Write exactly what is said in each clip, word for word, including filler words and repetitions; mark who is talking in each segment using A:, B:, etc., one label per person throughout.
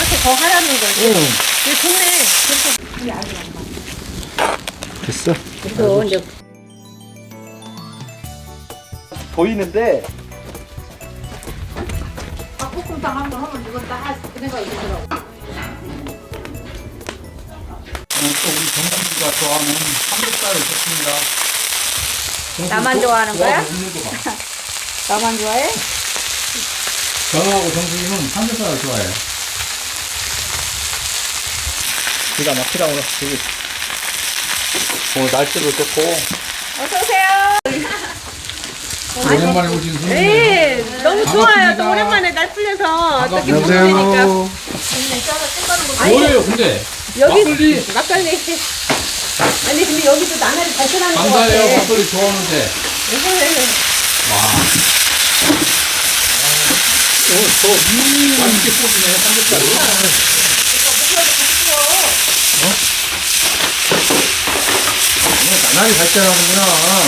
A: 저렇게 더 하라는 거지.
B: 응.
A: 이게 좋네.
B: 됐어.
A: 그래서 이제
B: 보이는데
A: 닭볶음탕 한번 하면 이거 다 생각이 들더라고.
C: 또 우리 정상주가 좋아하는 삼겹살을 줬습니다.
A: 나만 좋아하는 거야?
C: 먹는 거 봐.
A: 나만 좋아해?
C: 정하고 정수님은 삼겹살을 좋아해요.
B: 기가 막히다 오늘. 되게 오늘 날씨도 좋고.
A: 어서 오세요.
C: 오랜만에 오신 손님.
A: 네, 너무 좋아요.
C: 반갑습니다.
A: 또 오랜만에 날 풀려서 어떻게
C: 안녕하세요.
A: 보니까
C: 뭐예요, 근데?
A: 여기
C: 막걸리.
A: 막걸리. 아니 근데 여기도 나날이 발전하는 것 같아.
C: 감사해요, 막걸리 좋아하는데. 와.
B: 오늘 또
C: 맛있게 쏘시네, 삼겹살을.
B: 나날이 발전하는구나.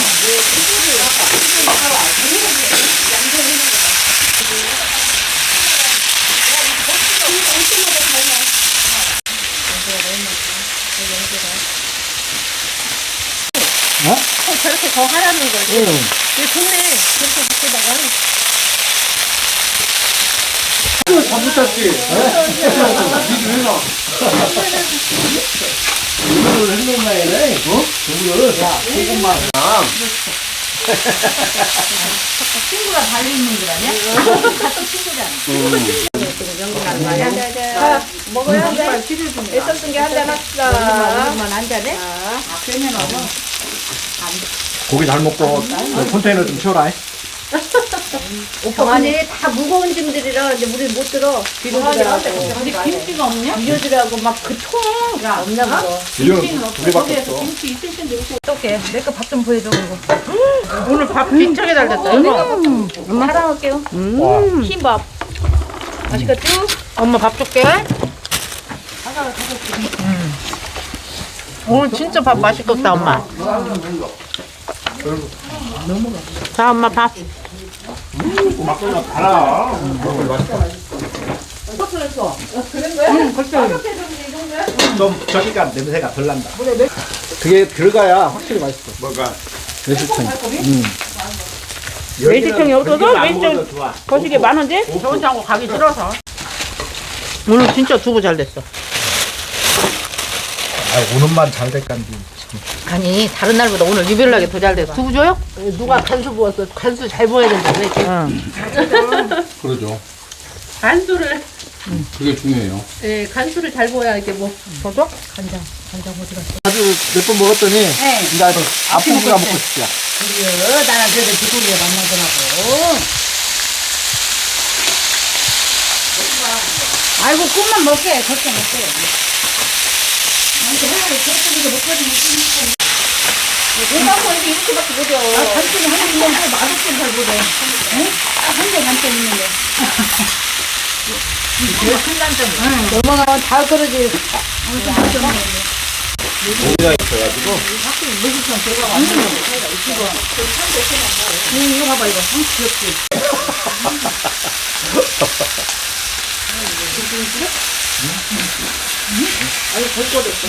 B: 어?
A: 어, 저렇게 더 하라는 거지.
B: 응.
A: 이게 좋네. 그렇게 밖에다가.
B: 다 붙였지. 니도 해놔. 이거를 해놓나이네. 어? 이거를. 야, 조금만.
A: 친구가 달리 있는 줄 아냐? 같은 친구잖아. 자, 먹어야 돼. 애썼던 게 한잔 합시다. 오늘만 한 잔해? 아, 그러면 어머.
B: 고기 잘 먹고 컨테이너 좀 치워라.
A: 오빠 안에 다 무거운 짐들이라 이제 우리 못 들어. 뒤로 들어가고.
D: 근데 김치가 없냐?
A: 비료들하고 막 그 통. 없나 보다.
B: 이거는 두 개밖에 없어.
D: 김치 있을 텐데 이거
A: 어떡해. 내 거 밥 좀 보여줘, 그거.
D: 오늘 밥 진짜게 잘 됐다.
A: 음, 엄마 사랑할게요.
B: 와.
A: 흰밥. 맛있겠지?
D: 엄마 밥 줄게. 음. 오늘 진짜 밥 맛있겠다 엄마. 자 엄마 밥.
B: 막걸리가 달아. 좀 저기가 냄새가 덜 난다. 그게 들어가야 확실히 맛있어. 뭐가? 매실청. 음.
D: 매실청이 없어서
B: 매실청
D: 매실청 거시기 많은데? 저 혼자하고 가기 싫어서. 오늘 진짜 두부 잘 됐어.
B: 아, 오늘만 잘 될간지.
D: 아니 다른 날보다 오늘 유별나게 더 잘 됐어. 두부 줘요?
A: 누가 간수 부었어. 간수 잘 부어야 된다. 왜?
D: 응.
C: 그러죠.
A: 간수를,
C: 그게 중요해요.
A: 예, 간수를 잘 부어야 이게 뭐.
D: 줘줘?
A: 간장, 간장 어디 갔어?
B: 아주 몇 번 먹었더니 이제 아주 앞부분가 먹고 싶지야.
A: 그래요. 나는 그래도 두고리에 만나더라고. 아이고, 꿈만 먹게. 걱정 못해. 아니, 하나를 저쪽에서 먹거든요. 내가 뭐 이렇게 이렇게밖에 못해. 아, 단점이 하나 있는데 맛없게 잘 못해. 응? 한개 단점 있는데. 제일 큰 단점이야. 넘어가면 다 그러지. 엄청 단점이
B: 고기가 있어가지고.
A: 응, 이거 봐봐, 이거. 응, 귀엽지? 아유, 벌거렸어.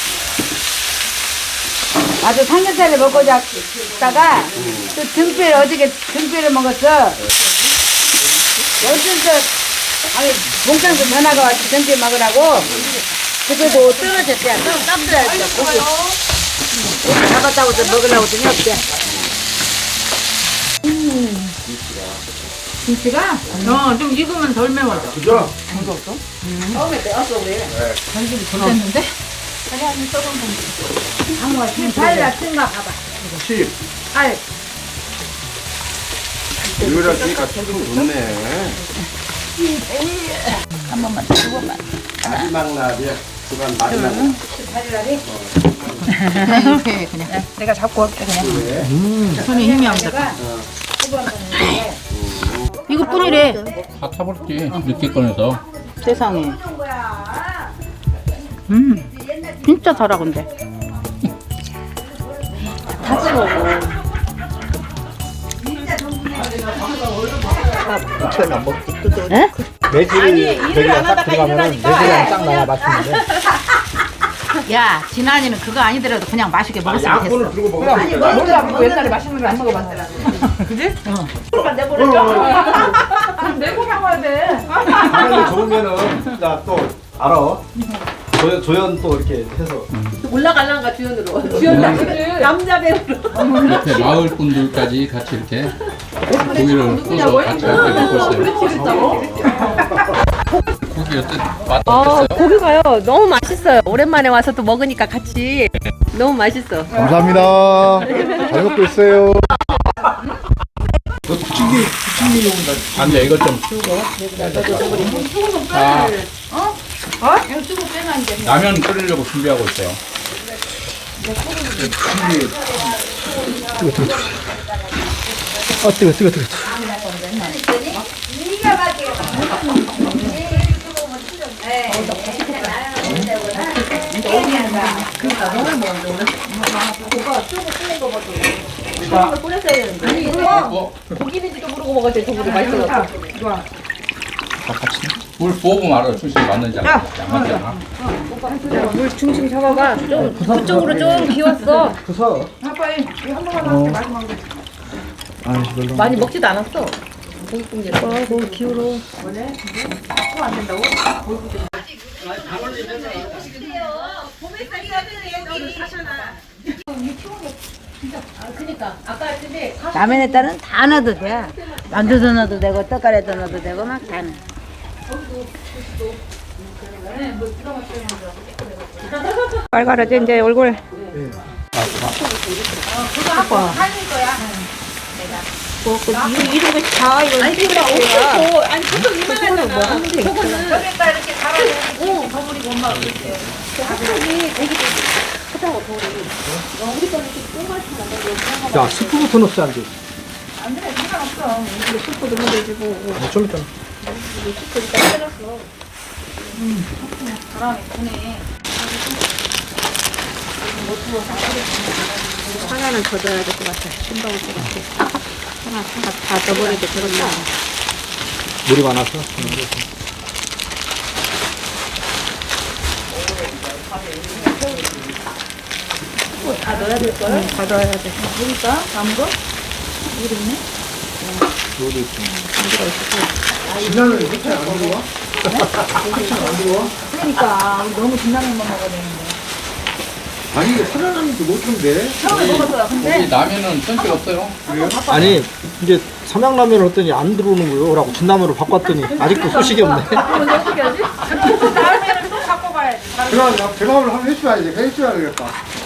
A: 아주 삼겹살을 먹고 자다가 또 등뼈를 어저께 등뼈를 먹었어. 어쩐 저 아니 봉장도 전화가 왔지 등뼈 먹으라고. 그래도 떨어졌대. 땀들어야지. 고기 고기 잡았다고 좀 먹으려고 좀 했대. 김치가?
D: 어, 좀 익으면 덜 매워져.
B: 그죠?
A: 처음에 빼었어 그래.
D: 간식이 덜 됐는데?
A: 아무가 지금 살 낮춘가 봐봐.
B: 십.
A: 알.
B: 이거랑 그러니까 조금 좋네.
A: 한 번만 더, 두 번만.
B: 마지막 날이야. 그간 마지막 날.
A: 살이라리?
D: 이렇게 그냥. 내가 잡고 올게 그냥. 손에 힘이 안 들어. 이것뿐이래.
C: 다 타버렸지. 늦게 꺼내서.
D: 세상에. 음, 진짜 달아 근데.
A: 다 뜨거워.
B: 전안 먹지 뜯어.
D: 에?
B: 매실이 저기가 딱 들어가면은 매실향이 딱 나야 맛있는데.
D: 야, 진환이는 그거 아니더라도 그냥 맛있게 먹었으면 됐어.
B: 약분을 들고 먹으면
A: 아니 몰라 뭐 옛날에 맛있는 거 안 먹어봤더라.
D: 그지?
A: 그러니까 내보내줘. 그럼 내고 나와야 돼.
B: 가면이 좋으면은 나 또 알아. 조연, 조연 또 이렇게 해서
A: 올라갈란가 주연으로. 주연 남자 배우로.
C: 옆에 마을 분들까지 같이 이렇게 고기를 구워서 같이 함께 먹고 있어요. 고기 어때? 맛
E: 어,
C: 어땠어요?
E: 고기가요. 너무 맛있어요. 오랜만에 와서 또 먹으니까 같이 너무 맛있어.
B: 감사합니다. 잘 먹고 있어요. 너 부침개 부침개 용다.
C: 안 돼, 이것 좀 치우고. 아,
D: 어? 이거 쓰고 빼면 안 돼.
C: 라면 끓이려고 준비하고 있어요.
B: 아 뜨거 뜨거 뜨거.
A: 아니 이거 고기인지도 모르고 먹었대. 저거도 맛있어.
C: 물 부어보면 알아요. 출신이 맞는지 안 맞는지 안 맞잖아.
E: 물 중심 잡아봐. 좀 그쪽으로 좀 기웠어.
B: 부서.
A: 아빠 이한 번만 할게 마지막 거.
B: 아 별로.
E: 많이 먹지도 않았어. 고기국질. 아, 너무 기울어.
D: 라면에 따른 다 넣어도 돼. 만두도 넣어도 되고 떡갈이도 넣어도 되고 막 다 넣어.
E: 빨가라지 이제 얼굴. 뭐, 그, 이거, 이런 거 다, 이거. 아니, 그니까, 없어. 아니, 보통 이만하잖아. 저거는.
A: 여기다 이렇게 갈아내고 버무리고 엄마가 그랬대요.
B: 야 스프부터 넣지 안 돼.
A: 안 돼, 상관없어.
E: 슈퍼도 먹어주고.
B: 어, 좀 이따.
A: 바람이 부네.
E: 하나는 더 넣어야 될 것 같아. 신박할 것 같아. 하나, 하나 다 넣어버려도 되겠다.
B: 물이 많아서.
E: 다 넣어야 될 거야? 응, 다 넣어야 돼.
A: 보니까 남은 거?
B: 진화는 이렇게 안 들어와?
A: 그러니까 우리 너무 진라면만 먹어야 되는데.
B: 아니 이게 살아남는데 못 한데.
A: 처음에 먹었어요. 근데
C: 고기 라면은 전체 없어요.
B: 아니 이제 삼양라면을 했더니 안 들어오는 거요. 라고 진라면으로 바꿨더니 아직도 소식이 없네.
A: 그럼 어떻게 하지? 다음에는 또 바꿔봐야지.
F: 그럼 나 대답을 한번 해줘야지. 해줘야 되겠다.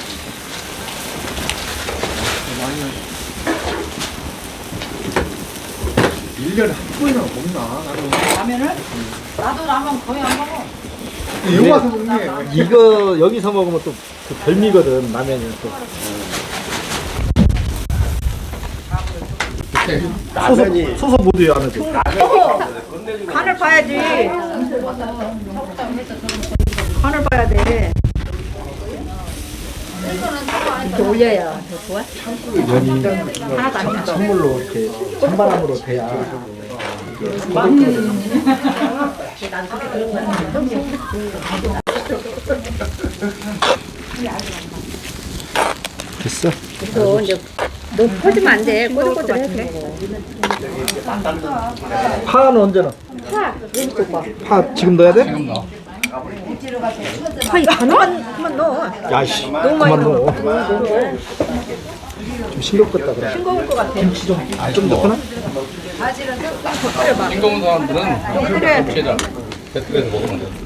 F: 일 년에 한 번이나 먹나? 나는.
A: 라면을? 나도 라면 거의 안 먹어.
F: 여기 와서 먹네.
B: 이거 여기서 먹으면 또 그 별미거든 라면이 또.
C: 이렇게
B: 소소 소소 모드요 안에도.
A: 간을 봐야지. 간을 봐야 돼.
E: 이렇게 올려야 더 좋아?
B: 면이 선물로 이렇게 찬바람으로 돼야. 됐어?
E: 그래서 이제 너무 퍼지면 안 돼. 꼬들꼬들해. 그래.
B: 파는 언제 넣어? 파 지금 넣어야 돼?
C: 지금 넣어.
E: 파이 하나만 그만 넣어.
B: 야씨 그만 넣어. 좀 싱겁겠다 그래.
E: 싱거울 것 같아.
B: 김치 좀 좀 넣거나?
C: 싱거운 사람들은 김치에다 배틀에서 먹으면 돼.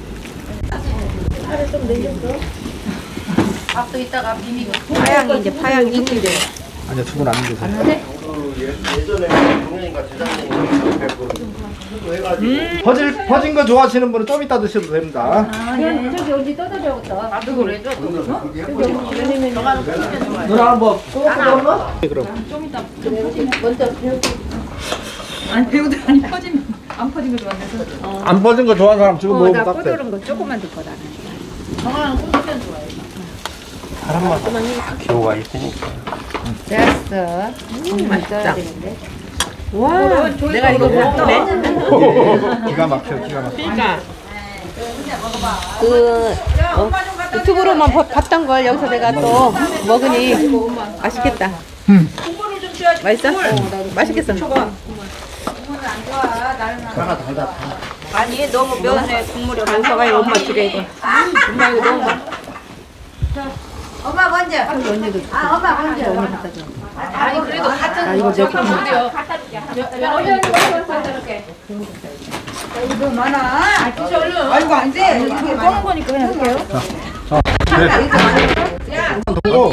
A: 밥도 이따가 비비고.
E: 파향이 이제 파향이 생긴대.
B: 아니야 두 분 안 드세요. 퍼질 퍼진 거 좋아하시는 분은 좀 이따 드셔도 됩니다.
E: 저기 어디 떠들어야겠다.
A: 나도 그래. 줘.
B: 누나 한번 넣어? 그럼
A: 아니 배우들 아니 퍼지면 안 퍼진 거 좋아해서.
B: 안 퍼진 거 좋아하는 사람 지금
E: 어,
B: 먹으면
E: 나
B: 딱 돼.
E: 꼬들은 거 조금만 넣을 거다.
A: 정하는 꿀떡면 좋아해.
E: 됐어. 음, 맛있다.
D: 와, 내가 이거 먹네.
B: 기가 막혀, 기가 막혀.
E: 그러니까 그 어, 유튜브로만 봐- 봤던 걸 여기서 내가 또 먹으니 맛있겠다.
B: 음.
E: 맛있어? 맛있겠어.
B: 하나 달다.
E: 아니 너무 면에 국물이 많아가지고 엄마 주게 이거. 엄마 이거 너무 많아.
A: 엄마 먼저. 아, 엄마 먼저.
E: 아니 그래도 같은
D: 아, 이거 내가
A: 이거 많아. 아, 드셔 얼른. 아이고 안 돼. 이거 꺼는 거니까 그냥 할게요.
B: 또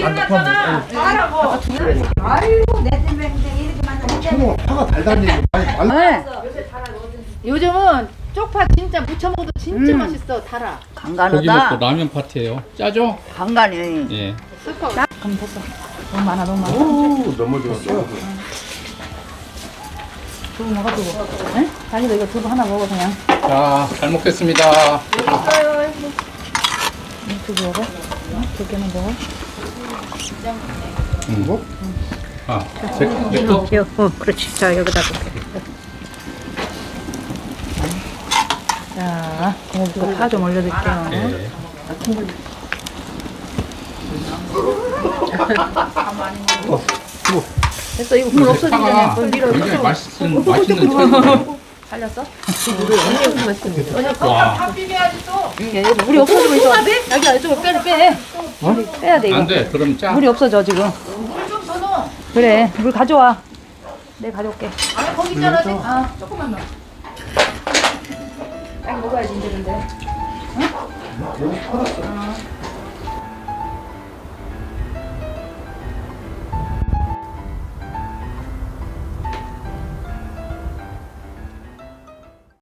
A: 아이고 내 때문에 이렇게 많아.
F: 뭐 파가 달다니 많이 말.
D: 네. 요즘은 쪽파 진짜 무쳐 먹어도 진짜
A: 음.
D: 맛있어. 달아.
C: 고기
A: 간간하다.
C: 먹고 라면 파티예요. 짜죠?
A: 간간해.
C: 예.
D: 그럼 됐어. 너무 많아, 너무 많아.
F: 오 너무 좋았어.
D: 두부 먹어두고. 응? 자기도 이거 두부 하나 먹어 그냥.
C: 자, 잘 먹겠습니다.
D: 두부 먹어? 응? 두 개만 먹어.
C: 음. 아, 제, 제 거?
E: 요, 어, 그렇지. 자 여기다 볼게.
D: 자, 고기부터 파 좀 올려줄게요.
C: 예.
D: 됐어, 이거 물 없어지기 전에
C: 파가
D: 물 밀어.
C: 굉장히 맛있는, 맛있는 철이에요.
D: 살렸어?
C: 와,
D: 응, 여기 물이 없어지면 이거 여기가 이쪽으로 빼, 빼. 물이 빼야 돼 이거.
C: 안 돼. 그럼 짜.
D: 물이 없어져 지금. 물 좀 더 넣어. 그래, 물 가져와. 내가 가져올게. 아, 거기 있잖아. 아, 조금만 넣어. 딱 먹어야지 이제 근데. 응? 어.